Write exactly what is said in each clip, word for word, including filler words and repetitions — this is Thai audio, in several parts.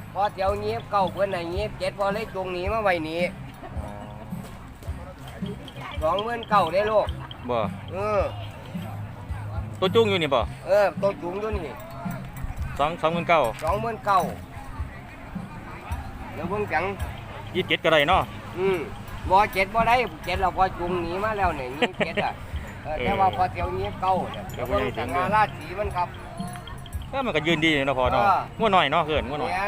พอเที่ยวนี้เก่าเพื่อนไหนนี้เจ็ดพอเลยตรงนี้มาไว้นี้สองหมื่นเก่าได้ลูกบ่เออตัวจุ้งอยู่นี่บ่เออตัวจุ้งอยู่นี่สองสองหมื่นเก้าสองหมื่นเก้าเดี๋ยวเพิ่งจังยี่สิบเจ็ดก็ได้เนาะอืมบ่เจ็ดบ่ได้เจ็ดเราพอจุงหนีมาแล้วเนี่ยยี่สิบเจ็ดอ่ะแต่ว่าพอเที่ยวนี้เก่าเดี๋ยวเพิ่งจังงาราศีมันครับก็มันก็ยืนดีเนาะพอเนาะงัวหน่อยเนาะเกินงัวหน่อย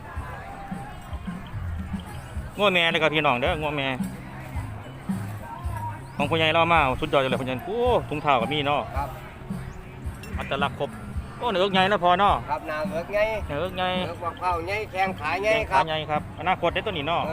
งัวแม่เลยครับพี่น้องเด้องัวแม่ของพ่อใหญ่เรามาสุดยอดเลยพ่อใหญ่โอ้ถุงเท้ากับมีเนาะครับอัตลักษณ์ครบโอ้เนื้อใหญ่แล้วพอเนาะครับหน้าเนื้อใหญ่เนื้อใหญ่เนื้อเผาใหญ่แข้งขาใหญ่ครับขาใหญ่ครับอนาคตได้ตัวนี้เนาะ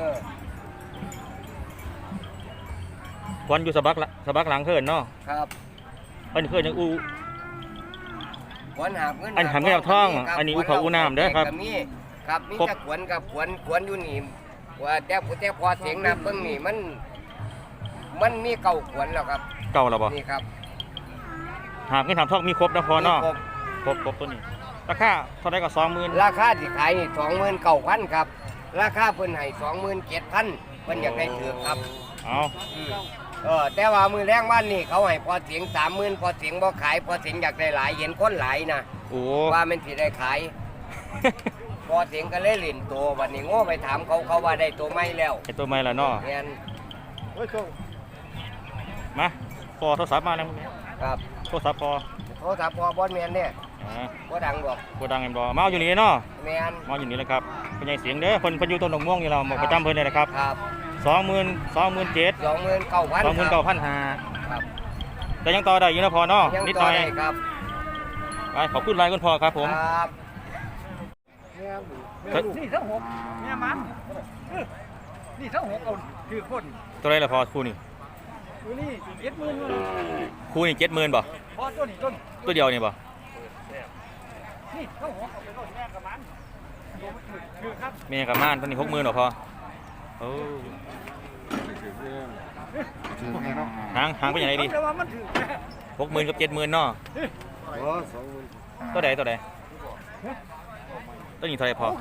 ควันอยู่สะบักละสะบักหลังเขินเนาะครับอันนี้เขินยังอูขวนหาบเงินอันหามแก้วท่องอันนี้อูเขาอูน้ำเด้อครับมีครับมีจะขวนกับขวนขวนอยู่นี่ว่าแต่แต่พอเสียงน้ำเบิ้งนี่มันมันมีเก่าขวนแล้วครับเก่าแล้วบ่นี่ครับหามเงินหามท่องมีครบนะพอเนาะครบครบตัวนี้ราคาเท่าไรก็สองหมื่นราคาที่ขายนี่สองหมื่นเก้าพันครับราคาเพิ่นให้สองหมื่นเจ็ดพันเพิ่นอยากได้ถือครับเอาเออแต่ว่ามือแรงบ้านนี่เขาให้พอเสียงสามหมื่นพอเสียงบ่ขายพอเสียงอยากได้หลายเห็นคนหลายนะว่ามันสิได้ขายพอเสียงก็เลยหลินตัววันนี้โง่ไปถามเขาเขาว่าได้ตัวไม่แล้วไอตัวไม่ละเนาะเงี้ยมาพอโทรศัพท์มาแล้วครับโทรศัพท์พอโทรศัพท์พอบอลเมียนเนี่ยก็ดังบอกก็ดังเอ็มบอมาอยู่นี่เนาะเมียนมาอยู่นี่เลยครับเป็นไงเสียงเด้อคนพยุต้นดอกม่วงอยู่เราหมดประจำเพิ่นเลยนะครับครับสองหมื่นสองหมื่นเจ็ดสองหมื่นเก้าพันสองหมื่นเก้าพันห้าครับแต่ยังต่อได้อยู่นะพอเนาะนิดหน่อยครับไปขอบคุณรายคุณพ่อครับผมครับนี่ทั้งหกเนี่ยมันนี่ทั้งหกเอาคือคนตัวไรละพอคู่นี่ตัวนี้เจ็ดหมื่นคู่นี่เจ็ดหมื่นบ่พอตัวนี้ต้นตัวเดียวนี่บ่นี่ทั้งหกเอาไปต้นแม่กับมันคือครับแม่กับม่านตัวนี้หกหมื่นหรอพอโอ้หางหางเป็นยังไงดีหกหมื่นกับเจ็ดหมื่นเนาะตัวใดตัวใดตัวนี้เท่าไรพอ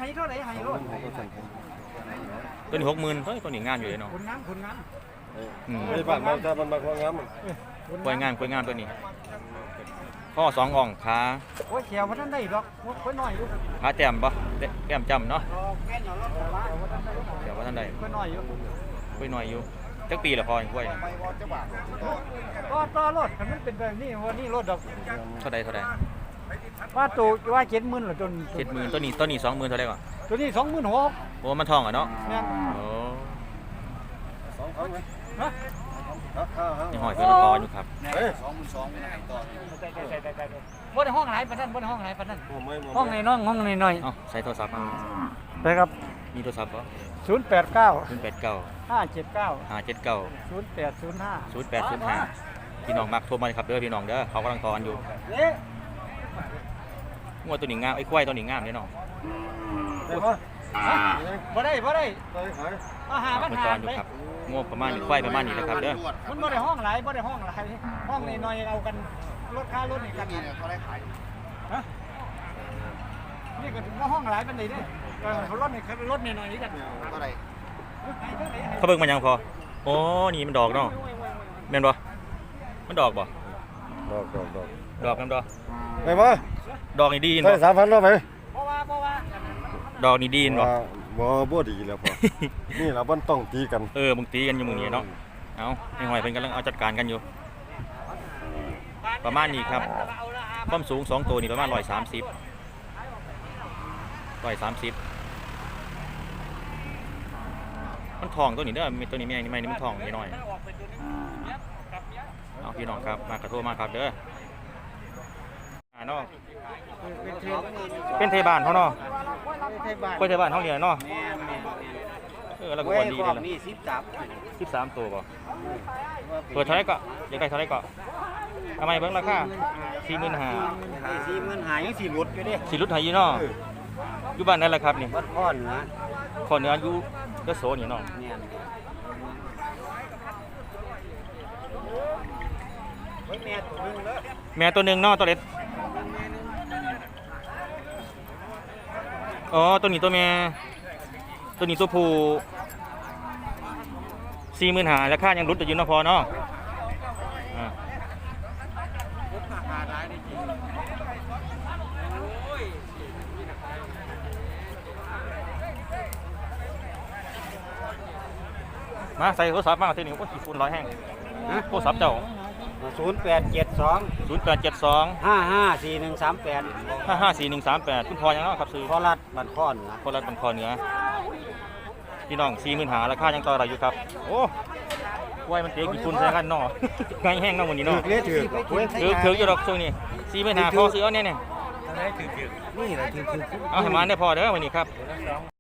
ตัวนี้หกหมื่นตัวนี้งานอยู่เลยเนาะคนงานคนงานไอ้บ้านมันจะมันมาคนงานมันกล้วยงานกล้วยงานตัวนี้ข้อสองอ่องขาโอ้ยแขวมันนั่นได้หรอกโอ้ยหน่อยอยู่ขาแจ่มปะแก้มจำเนาะแขวว่าท่านใดโอ้ยหน่อยอยู่กล้วยหน่อยอยู่จักปีละพออย่างกล้วยก็ต่อรถมันเป็นแบบนี้วันนี้รถดอกเท่าใดเท่าใดว่าตัวว่าเจ็ดหมื่นหรือจนเจ็ดหมื่นตัวนี้ตัวนี้สองหมื่นเท่าไรก่อนตัวนี้สองหมื่นหกโอ้มันทองอ่ะเนาะโอ้สองพันฮะยังหอยเพื่อนต่ออยู่ครับสองหมื่นสองไม่ได้ต่อบ่ได้ห้องไหนปะนั่นบ่ได้ห้องไหนปะนั่นห้องในน้องห้องในน้อยอ๋อใช้โทรศัพท์ไปครับมีโทรศัพท์ปะศูนย์แปดเก้าศูนย์แปดเก้าห้าเจ็ดเก้าห้าเจ็ดเก้าศูนย์แปดศูนย์ห้าศูนย์แปดศูนย์ห้าพี่น้องมักโทรมาครับเด้อพี่น้องเด้อเขากำลังทอนอยู่งวดตัวหนิงงามไอ้ควายตัวหนิงงามเนี่ยน้องบ่ได้บ่ได้อาหารมันหาไปงวดประมาณนี้ควายประมาณนี้แหละครับเด้อมันบ่ได้ห้องหลายบ่ได้ห้องหลายห้องน้อยๆเอากันลดค่ารถนี่กันฮะนี่ก็ถึงว่าห้องหลายปานใดเด้อเขาลดนี่เขาลดน้อยๆนี่กันเท่าไหร่เขาเบิ่งมันยังพอโอ้นี่มันดอกเนาะแม่นบ่มันดอกบ่ดอกดอกดอกดอกแม่นบ่ไหนบ่ดอกนี่ดีนบ่ใช่สามพันแล้วไหมบ่ว่าบ่ว่าดอกนี่ดีนบ่บ่บ่ดีแล้วพอนี่เราบ่ต้องตีกันเออมึงตีกันอยู่มึงนี่เนาะเอาไอ้หอยเพิ่นกำลังเอาจัดการกันอยู่ประมาณนี้ครับความสูงสองตัวนี่ประมาณหนึ่งร้อยสามสิบ หนึ่งร้อยสามสิบมันทองตัวนี้เด้อมีตัวนี้แม่นี่ไม่นี่มันทองนิดหน่อยเอาพี่น้องครับมากระโทษมาครับเด้ออ่าเนาะเป็นเทบานเขาเนาะเป็นเทบานเขาเนี่ยเนาะเออแล้วก็วันดีเลยล่ะสิบสามสิบสามตัวป่ะเปิดเท่าไรก็ยังไงเท่าไรก็ทำไมเบิ้งราคาสี่หมื่นห้าสี่หมื่นห้ายังสี่รุดอยู่ดิสี่รุดไทยยี่เนาะอยู่บ้านนั่นแหละครับนี่วัดข้อเหนือข้อเหนืออยู่ยโสนี่เนาะแม่ตัวหนึ่งเนาะตัวเล็กอ๋อตัวนี้ตัวแม่ตัวนี้ตัวผู้สี่หมื่นหาราคายังรุดอยู่เนาะพอเนาะอ่ามาใส่โทรศัพท์มาทีนี้โอ้ยกี่ฝุ่นร้อยแห้งโทรศัพท์เจ้าศูนย์แปดเจ็ดสองศูนย์แปดเจ็ดสองห้าห้าสี่หนึ่งสามแปดห้าห้าสี่หนึ่งสามแปดคุณพอยังเนาะครับซื้อพอรัดบันพอนนะคนละเป็นคอเหนือพี่น้องสี่หมื่นหาราคายังต่ออะไรอยู่ครับโอ้กล้วยมันเตะกี่ฝุ่นใส่กันเนาะไงแห้งเนาะวันนี้เนาะเลี้ยถือถือถืออยู่ดอกช่วงนี้สี่หมื่นหาพอซื้อเอาเนี่ยเนี่ยนี่แหละถือถือเอาให้มาได้พอเด้อวันนี้ครับ